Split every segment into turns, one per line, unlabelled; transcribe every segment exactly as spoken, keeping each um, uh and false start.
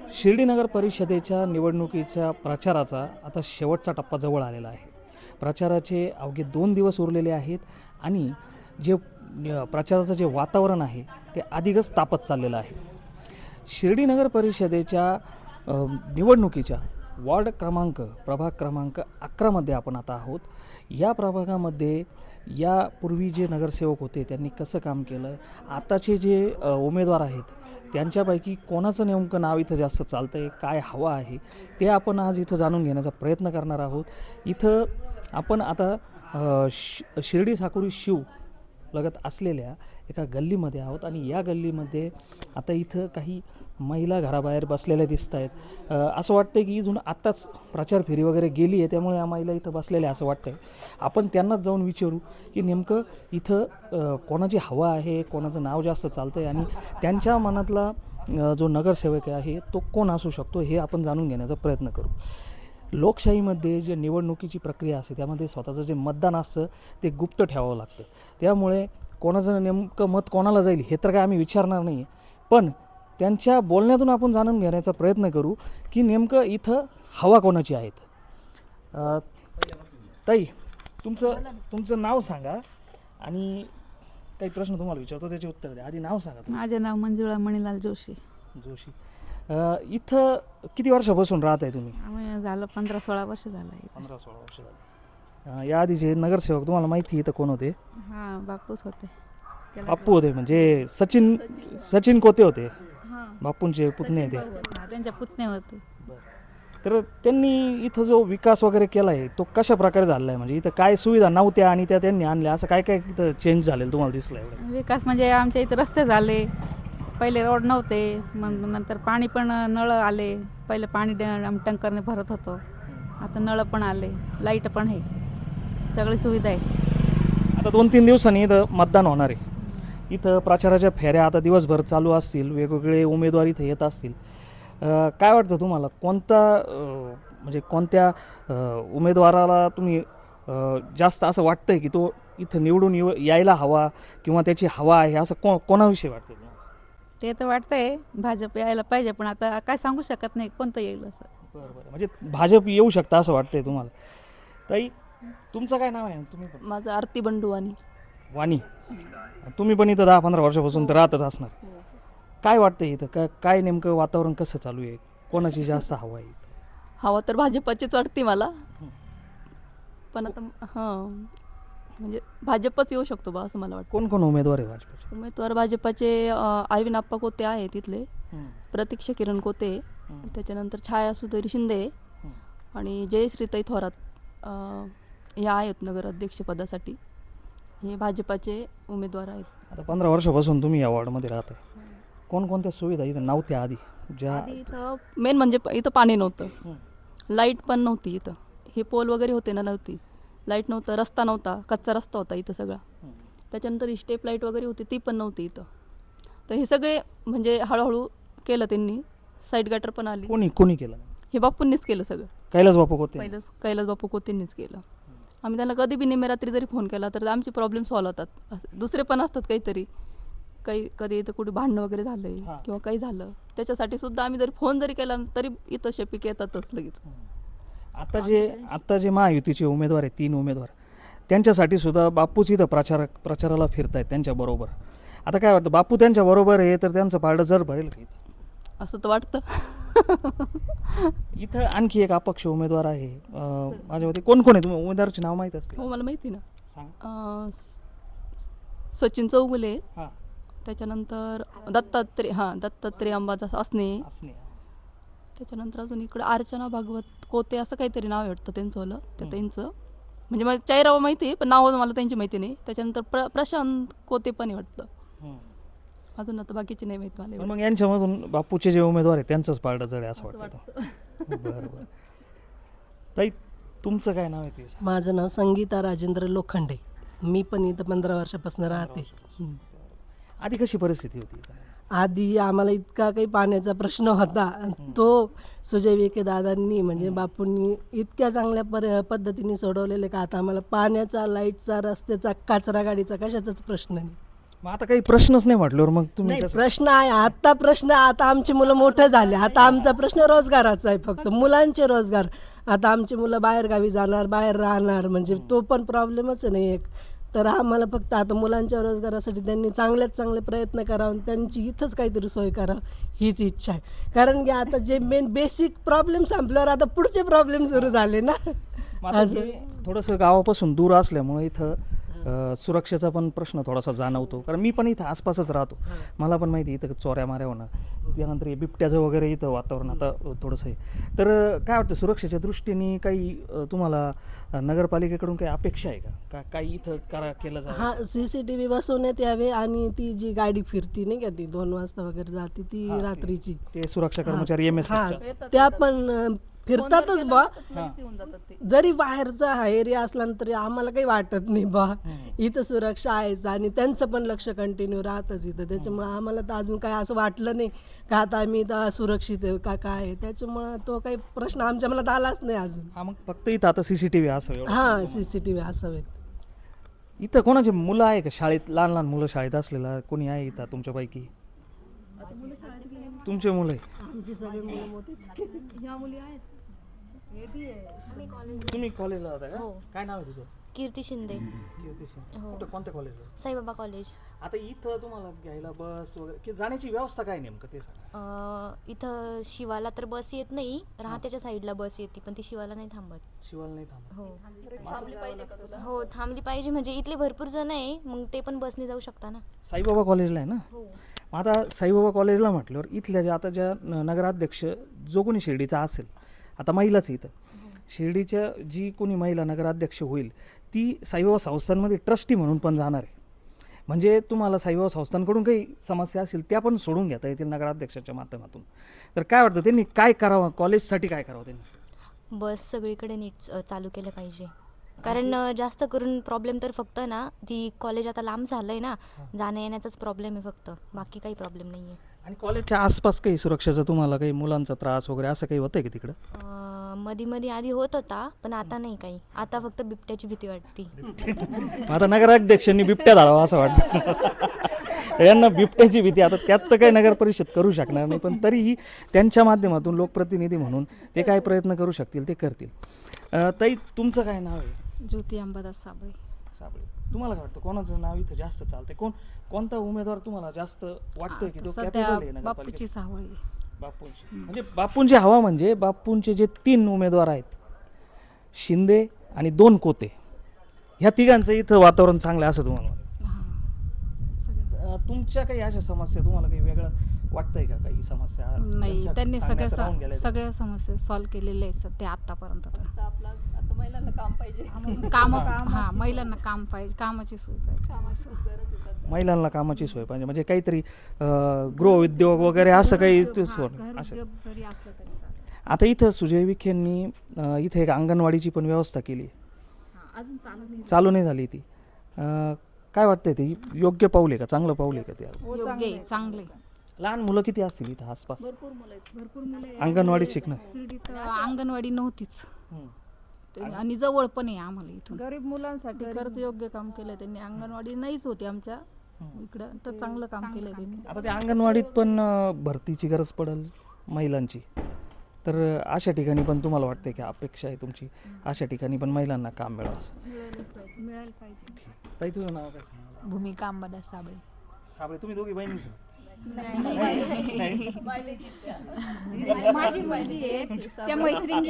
शिर्डी नगर परिषदेच्या निवडणुकीच्या प्रचाराचा आता शेवटचा टप्पा जवळ आलेला आहे. प्रचाराचे अवघे दोन दिवस उरलेले आहेत आणि जे न- प्रचाराचं जे वातावरण आहे ते अधिकच तापत चाललेलं आहे. शिर्डी नगर परिषदेच्या अ, निवडणुकीच्या वॉर्ड क्रमांक प्रभाग क्रमांक अकरामध्ये आपण आता आहोत. या प्रभागामध्ये यापूर्वी जे नगरसेवक होते त्यांनी कसं काम केलं, आताचे जे अ, उमेदवार आहेत त्यांच्यापैकी कोणाचं नेमकं नाव इथं जास्त चालतं आहे, काय हवं आहे, ते आपण आज इथं जाणून घेण्याचा प्रयत्न करणार आहोत. इथं आपण आता अ, श शिर्डी साकुरी शिव लगत असलेल्या एका गल्लीमध्ये आहोत आणि या गल्लीमध्ये आता इथं काही महिला घराबाहेर बसलेल्या दिसत आहेत. अ, असं वाटतं की इथून आत्ताच प्रचार फेरी वगैरे गेली आहे, त्यामुळे या महिला इथं बसलेल्या असं वाटतं आहे. आपण त्यांनाच जाऊन विचारू की नेमकं इथं अ, कोणाची हवा आहे, कोणाचं नाव जास्त चालतं आहे आणि त्यांच्या मनातला अ, जो नगरसेवक आहे तो कोण असू शकतो हे आपण जाणून घेण्याचा प्रयत्न करू. लोकशाहीमध्ये जे निवडणुकीची प्रक्रिया असते त्यामध्ये स्वतःचं जे मतदान असतं ते गुप्त ठेवावं लागतं. त्यामुळे कोणाचं नेमकं मत कोणाला जाईल हे तर काय आम्ही विचारणार नाही, पण त्यांच्या बोलण्यातून आपण जाणून घेण्याचा प्रयत्न करू की नेमकं इथं हवा कोणाची आहेत. अ, ताई, तुमचं तुमचं नाव सांगा आणि काही प्रश्न तुम्हाला विचारतो त्याचे उत्तर द्या. आधी नाव सांगा तुमचं.
माझे नाव मंजुळा मणिलाल जोशी.
जोशी. अ, इथं किती वर्षापासून राहत आहे तुम्ही?
आम्ही झालं पंधरा सोळा वर्ष झालं आहे.
पंधरा सोळा वर्ष झाली. अ, या आधीचे नगरसेवक तुम्हाला माहिती इथं कोण होते?
हां, बापूच होते.
बाप्पू होते, म्हणजे सचिन सचिन कोते होते,
हां,
बापूंचे पुतणे ते.
हां, त्यांच्या पुतण्या होते.
तर त्यांनी इथं जो विकास वगैरे केला आहे तो कशा प्रकारे झाला आहे, म्हणजे इथं काय सुविधा नव्हत्या आणि त्या त्यांनी आणल्या, असं काय काय इथं चेंज झालेलं तुम्हाला दिसलं एवढं?
विकास म्हणजे आमच्या इथे रस्ते झाले, पहिले रोड नव्हते, मग नंतर पाणी पण नळ आले. पहिले पाणी ड- टँकरने भरत होतो, आता नळ पण आले, लाईट पण आहे, सगळी सुविधा आहे.
आता दोन तीन दिवसांनी इथं मतदान होणार आहे. इथं प्रचाराच्या फेऱ्या आता दिवसभर चालू असतील, वेगवेगळे उमेदवार इथं येत असतील. अ, काय वाटतं तुम्हाला कोणता अ, म्हणजे कोणत्या अ, उमेदवाराला तुम्ही अ, जास्त असं वाटतंय की तो इथं निवडून येऊ यायला हवा किंवा त्याची हवा आहे, असं को कोणाविषयी वाटतं तुम्हाला?
ते तर वाटतंय भाजप यायला पाहिजे, पण आता काय सांगू शकत नाही कोणतं येईल असं.
बरं बरं, म्हणजे भाजप येऊ शकतं असं वाटतंय तुम्हाला. ताई, तुमचं काय नाव आहे? तुम्ही पण
माझं आरती बंडुवानी.
वाणी. तुम्ही पण इथं दहा पंधरा वर्षापासून तर राहतच असणार. काय वाटतं इथं काय काय नेमकं वातावरण कसं चालू आहे, कोणाची जास्त हवा आहे?
हवा तर भाजपाचीच वाटते मला, पण आता हां म्हणजे भाजपच येऊ शकतो बा असं मला वाटतं.
कोण कोण उमेदवार आहे भाजपचे?
उमेदवार भाजपाचे अं, अरविंद आप्पा कोते आहे तिथले,
हं,
प्रतीक्षा किरण कोते,
हं,
त्याच्यानंतर छाया सुधरी शिंदे
हं.
आणि जयश्रीताई थोरात अं, ह्या आहेत नगराध्यक्षपदासाठी. हे भाजपाचे उमेदवार आहेत.
आता पंधरा वर्षापासून तुम्ही या वॉर्डमध्ये राहत आहे. कोणकोणत्या सुविधा इथं नव्हत्या आधी ज्या?
आधी इथं मेन म्हणजे प- इथं पाणी नव्हतं,
हं,
लाईट पण नव्हती इथं, हे पोल वगैरे होते ना, नव्हती लाईट, नव्हतं रस्ता नव्हता, कच्चा रस्ता होता इथं सगळा.
हं.
त्याच्यानंतर स्टेप लाईट वगैरे होती ती पण नव्हती इथं. तर हे सगळे म्हणजे हळूहळू केलं त्यांनी. साईड गटर पण आली,
कोणी कोणी केलं?
हे बापूंनीच केलं सगळं.
कैलास बापू होते.
पहिलंच कैलास बापू कोतेंनीच केलं. आम्ही त्यांना कधी बी निम्मे रात्री जरी फोन केला तर आमचे प्रॉब्लेम सॉल्व्ह होतात. असं दुसरे पण असतात काहीतरी, काही कधी इथं कुठे भांडणं वगैरे झालंय
हां.
किंवा काही झालं त्याच्यासाठी सुद्धा आम्ही जरी फोन जरी केला तरी इथं शेपिक येतातच लगेच.
आता जे आता जे महायुतीचे उमेदवार आहेत, तीन उमेदवार, त्यांच्यासाठी सुद्धा बापूच इथं प्रचार प्रचाराला फिरतायत त्यांच्याबरोबर. आता काय वाटतं, बापू त्यांच्या बरोबर आहे तर त्यांचं पारडं जर भरेल का इथं?
असं तर वाटतं.
इथं आणखी एक अपक्ष उमेदवार आहे. अं, माझ्या मते कोण कोण आहे? तुम्ही उमेदवाराचे नाव माहीत असते?
हो मला माहिती ना.
सांग.
अं, स- सचिन चौगुले,
हां,
त्याच्यानंतर दत्तात्रय हां दत्तात्रय अंबादास असणे,
असणे.
त्याच्यानंतर अजून इकडं अर्चना भागवत कोते असं काहीतरी नाव आहे वाटतं त्यांचं वालं. त्या
हं.
त्यांचं म्हणजे मला चेहरा माहिती आहे पण नाव मला त्यांची माहिती नाही. त्याच्यानंतर प्र प्रशांत कोते पण आहे वाटतं.
हं.
अजून आता बाकीचे नाही माहीत मला
पण
एवढं.
मग यांच्यामधून बापूचे जे उमेदवार आहेत त्यांचंच पारडं जड आहे असं
असं
वाटतं.
वाटतं.
बरं बरं. ताई, तुमचं काय नाव आहे ते?
माझं नाव संगीता राजेंद्र लोखंडे. मी पण इथं पंधरा वर्षापासून राहते. हं.
आधी कशी परिस्थिती होती इथं?
आधी आम्हाला इतका काही पाण्याचा प्रश्न होता, तो सुजय विखे दादांनी म्हणजे बापूंनी इतक्या चांगल्या पर पद्धतीने सोडवलेले का आता आम्हाला पाण्याचा, लाईटचा, रस्त्याचा, कचरा गाडीचा कशाचाच प्रश्न नाही.
मग आता काही प्रश्नच नाही म्हटल्यावर मग तुम्ही
नाही
कसं-
प्रश्न आहे आता प्रश्न आता आमची मुलं मोठं झाले आता आमचा प्रश्न रोजगाराचा आहे फक्त मुलांचे रोजगार आता आमची मुलं बाहेर गावी जाणार बाहेर राहणार म्हणजे तो पण प्रॉब्लेमच नाही एक तर आम्हाला फक्त आता मुलांच्या रोजगारासाठी त्यांनी चांगल्यात चांगले प्रयत्न करावे त्यांची इथंच काहीतरी सोय करावं हीच इच्छा आहे कारण की आता जे मेन बेसिक प्रॉब्लेम संपल्यावर आता पुढचे प्रॉब्लेम सुरू झाले ना
मग आता हे थोडंसं गावापासून दूर असल्यामुळे इथं अ, सुरक्षेचा पण प्रश्न थोडासा जाणवतो कारण मी पण इथं आसपासच राहतो मला पण माहिती आहे इथं चोऱ्या माऱ्या होणं त्यानंतर हे बिबट्याचं वगैरे इथं वातावरण आता थोडंसं आहे तर अ, काय वाटतं सुरक्षेच्या दृष्टीने काही अ, तुम्हाला अ, नगरपालिकेकडून काही अपेक्षा आहे का का काही इथं करा केलं जावं
हा सी सी टी व्ही बसवण्यात यावे आणि ती जी गाडी फिरती नाही का ती दोन वाजता वगैरे जाते ती
हा, ते-
रात्रीची
ते सुरक्षा कर्मचारी एम एस
हा त्या पण अं, फिरतातच बा
येऊन जातात ते
जरी बाहेरचा हा एरिया असला ना तरी आम्हाला काही वाटत नाही बा इथं सुरक्षा आहेच आणि त्यांचं पण लक्ष कंटिन्यू राहतच इथं त्याच्यामुळे आम्हाला तर अजून काय असं वाटलं नाही का आता आम्ही इथं सुरक्षित आहे का काय आहे त्याच्यामुळं तो काही प्रश्न आमच्या मनात आलाच नाही अजून
हा मग फक्त इथं आता सीसीटीव्ही असावं एवढं.
हा सी सी टी व्ही असावेत
इथं कोणाचे मुलं आहे का शाळेत लहान लहान मुलं शाळेत असलेला कोणी आहे इथं तुमच्यापैकी तुमचे मुलं आहे
आमची सगळी मुलं मोठीच
ह्या मुली आहेत
तुम्ही कॉलेजला होता का
हो.
काय नाव आहे तुझं
कीर्ती शिंदे
कीर्ती सिंग.
हो.
कुठं कोणत्या कॉलेजला
साईबाबा कॉलेज
आता इथं तुम्हाला घ्यायला बस वगैरे की जाण्याची व्यवस्था काय नेमकं ते सांगा
अं, इथं शिवाला तर बस येत नाही राहत्याच्या साईडला बस येते पण ती शिवाला नाही थांबत
शिवाला नाही थांबा
हो हो थांबली पाहिजे म्हणजे इथले भरपूर जण आहे मग ते पण बसने जाऊ शकता ना
साईबाबा कॉलेजला आहे ना
हो
मग आता साईबाबा कॉलेजला म्हटल्यावर इथल्या ज्या आता ज्या न- नगराध्यक्ष जो कोणी शिर्डीचा असेल आता महिलाच आहे इथं शिर्डीच्या जी कोणी महिला नगराध्यक्ष होईल ती साईबाबा संस्थांमध्ये ट्रस्टी म्हणून पण जाणार आहे म्हणजे तुम्हाला साईबाबा संस्थांकडून काही समस्या असतील त्या पण सोडून घेता येतील नगराध्यक्षाच्या माध्यमातून तर काय वाटतं त्यांनी काय करावं कॉलेजसाठी काय करावं त्यांनी
बस सगळीकडे नीट अं, चालू केलं पाहिजे कारण अं, जास्त करून प्रॉब्लेम तर फक्त ना ती कॉलेज आता लांब झालंय ना जाण्या येण्याचाच प्रॉब्लेम आहे फक्त बाकी काही प्रॉब्लेम नाही आहे
आणि कॉलेजच्या आसपास काही सुरक्षेचा तुम्हाला काही मुलांचा त्रास वगैरे असं काही होतंय की तिकडं
अं, मध्ये मध्ये आधी होत होता पण आता नाही काही आता फक्त बिबट्याची भीती वाटते
मग आता नगराध्यक्षांनी बिबट्या धरावा असं वाटतं यांना बिबट्याची भीती आता त्यात तर काही नगर परिषद करू शकणार नाही पण तरीही त्यांच्या माध्यमातून लोकप्रतिनिधी म्हणून ते काय प्रयत्न करू शकतील ते करतील अं, ताई तुमचं काय नाव आहे
ज्योती अंबादास साबळे
साबळे तुम्हाला काय वाटतं कोणाचं नाव इथं जास्त चालतंय कोण कोणता उमेदवार तुम्हाला जास्त वाटतंय की तो
सध्या
capable आहे नगरपालिकेत?
बापूचीच हवा आहे
बापूंची म्हणजे बापूंची हवा म्हणजे बापूंचे जे तीन उमेदवार आहेत शिंदे आणि दोन कोते ह्या तिघांचं इथं वातावरण चांगलं आहे असं तुम्हाला वाटतं?
हां सगळं
अं, तुमच्या काही अशा समस्या तुम्हाला काही वेगळं वाटतंय का काही समस्या
नाही
ज्यांच्या
त्यांनी सगळ्या
सांगण्यात राहून गेल्या
स- सगळ्या समस्या सॉल्व्ह केलेल्या आहेत सध्या आतापर्यंत तर.
आता आपला आता महिलांना काम पाहिजे
काम हा महिलांना काम पाहिजे कामाची सोय पाहिजे असं.
महिलांना कामाची सोय पाहिजे म्हणजे काहीतरी अं, गृहउद्योग वगैरे असं काही ते
हा,
सोय
घर
असं
उद्योग जरी असलं तरी चालेल.
आता इथं सुजय विखेंनी अं, इथे एक अंगणवाडीची पण व्यवस्था केली
हा, अजून चालू नाही
चालू नाही झाली ती अं, काय वाटतंय ते योग्य पाऊल आहे का चांगलं पाऊल आहे का ते
योग्य आहे चांगले
लहान मुलं किती असतील इथं आसपास
भरपूर मुलं आहेत
भरपूर मुले
अंगणवाडीत शिकणं
शिर्डीत अंगणवाडी नव्हतीच
हम्म.
ते- आणि जवळ पण आहे आम्हाला इथून
गरीब मुलांसाठी खरंच योग्य काम केलंय त्यांनी अंगणवाडी नाहीच होती आमच्या इकडं तर चांगलं काम केलंय त्यांनी
आता त्या अंगणवाडीत पण अं, भरतीची गरज पडेल महिलांची तर अं, अशा ठिकाणी पण तुम्हाला वाटते की अपेक्षा आहे तुमची अशा ठिकाणी पण महिलांना काम मिळावं असं
मिळायला पाहिजे
ताई तुझं नाव काय सांगा
भूमिका अंबादास साबळे
साबळे तुम्ही दोघी बहिणी
माझी मुलगी आहे त्या मैत्रिणी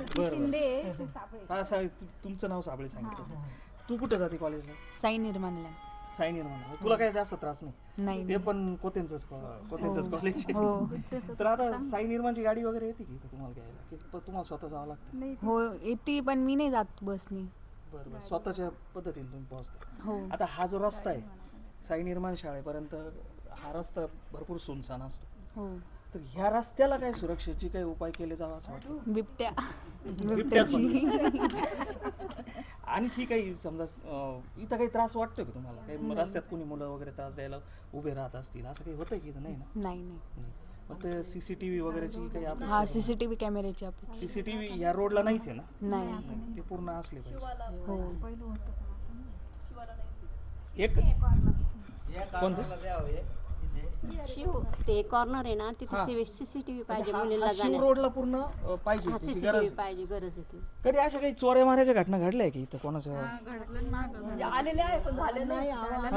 हा साबळे तु- तुमचं नाव साबळे सांगितलं तू कुठे जाते कॉलेजला
साई निर्माणला
साई निर्माण तुला काही जास्त त्रास नाही
नाही
ते पण कोतेंचंच कोतेंचंच कॉलेज
हो
तर आता साई निर्माणची गाडी वगैरे येते की इथं तुम्हाला घ्यायला की प- तुम्हाला स्वतः जावं लागतं
हो येते पण मी नाही जात बसनी
बरं बरं स्वतःच्या पद्धतीने तुम्ही पोहोचता
हो
आता हा जो रस्ता आहे साई निर्माण शाळेपर्यंत हा रस्ता भरपूर सुनसान असतो
हो
तर ह्या रस्त्याला काय सुरक्षेची काही उपाय केले जावं असं वाटतं
बिबट्या
बिबट्याच
बिबट्याची
आणखी काही समजा अं, इथं काही त्रास वाटतोय का तुम्हाला काही रस्त्यात कोणी मुलं वगैरे त्रास द्यायला उभे राहत असतील असं काही होतंय की इथं? नाही ना
नाही नाही
नाही. मग ते सीसीटीव्ही वगैरेची काही
हा
अपेक्षा
सीसीटीव्ही कॅमेऱ्याची अपेक्षा
सीसीटीव्ही या रोडला नाहीच आहे ना
नाही
नाही, ते पूर्ण असले पाहिजे
हो
एक कोणतं
शिव ते कॉर्नर आहे ना तिथे सीसीटीव्ही पाहिजे मुलीला
हा शिव
जाण्यात.
रोडला पूर्ण अ, पाहिजे
हा
त्याची
सीसीटीव्ही
गरज.
पाहिजे, गरज आहे ती.
कधी अशा काही चोऱ्या मारायच्या घटना घडल्या की इथं कोणाच्या
म्हणजे आलेले आहे पण झाले नाही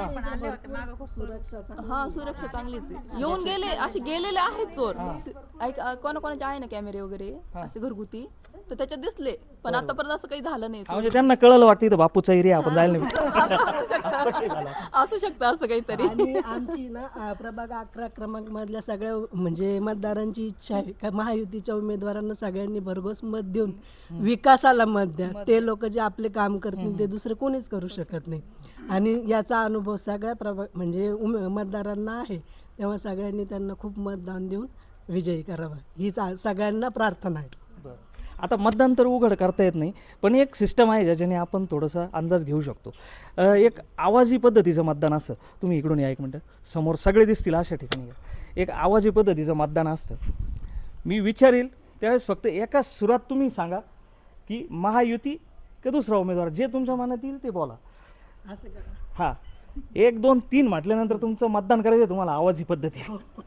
हा सुरक्षा चांगलीच आहे. येऊन गेले असे गेलेले आहेत चोर ऐक- अ, कोणाकोणाचे आहे ना कॅमेरे वगैरे असे घरगुती तर त्याच्यात दिसले पण आतापर्यंत असं काही झालं नाही
हा, म्हणजे त्यांना कळलं वाटतं इथं बापूचा एरिया आपण जायला नाही.
असू शकतं असं काहीतरी
आणि आमची ना आ, प्रभाग अकरा क्रमांक मधल्या सगळ्या म्हणजे मतदारांची इच्छा आहे का महायुतीच्या उमेदवारांना सगळ्यांनी भरघोस मत देऊन विकासाला मत द्या. ते लोक जे आपले काम करतील ते दुसरे कोणीच करू शकत नाही. आणि याचा अनुभव सगळ्या प्रभाग म्हणजे उमे मतदारांना आहे. तेव्हा सगळ्यांनी त्यांना खूप मतदान देऊन विजयी करावा हीच आ- सगळ्यांना प्रार्थना आहे.
बरं. आता मतदान तर उघड करता येत नाही पण एक सिस्टम आहे ज्याच्याने आपण थोडासा अंदाज घेऊ शकतो. अ, एक आवाजी पद्धतीचं मतदान असतं. तुम्ही इकडून या एक मिनटं, समोर सगळे दिसतील अशा ठिकाणी या. एक आवाजी पद्धतीचं मतदान असतं. मी विचारेल त्यावेळेस फक्त एका सुरात तुम्ही सांगा की महायुती का दुसरा उमेदवार, जे तुमच्या मनात येईल ते बोला.
असं करा.
हां, एक दोन तीन म्हटल्यानंतर तुमचं मतदान करायचं आहे तुम्हाला आवाजी पद्धती.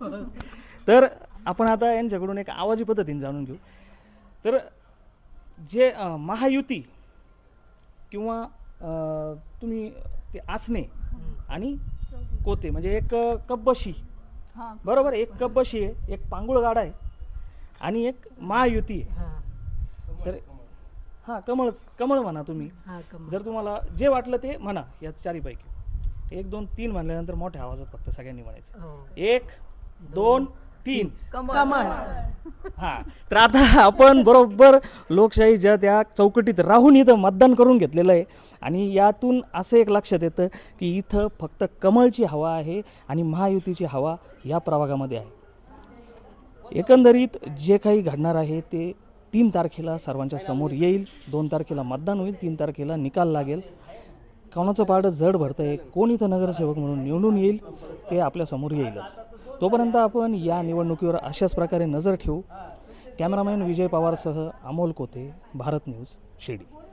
तर आपण आता यांच्याकडून एक आवाजी पद्धतीने जाणून घेऊ. तर जे अं, महायुती किंवा अं, तुम्ही ते आसने आणि कोते म्हणजे एक अं, कब्बशी,
हा
बरोबर, एक कब्बशी आहे, एक पांगुळगाडा आहे आणि एक महायुती आहे.
हा
तर हां, कमळच कमळ म्हणा तुम्ही.
हा कम
जर तुम्हाला जे वाटलं ते म्हणा या चारीपैकी. एक दोन तीन म्हणल्यानंतर मोठ्या आवाजात फक्त सगळ्यांनी म्हणायचं.
हो.
एक दोन तीन.
कमळ.
हां, तर आता आपण बरोबर लोकशाहीच्या त्या चौकटीत राहून इथं मतदान करून घेतलेलं आहे आणि यातून असं एक लक्षात येतं की इथं फक्त कमळची हवा आहे आणि महायुतीची हवा या प्रभागामध्ये आहे. एकंदरीत जे काही घडणार आहे ते तीन तारखेला सर्वांच्या समोर येईल. दोन तारखेला मतदान होईल, तीन तारखेला निकाल लागेल. कोणाचं पारडं जड भरतं आहे, कोण इथं नगरसेवक म्हणून निवडून येईल ते आपल्यासमोर येईलच. तोपर्यंत आपण या निवडणुकीवर अशाच प्रकारे नजर ठेवू. कॅमेरामॅन विजय पवारसह अमोल कोते, भारत न्यूज, शिर्डी.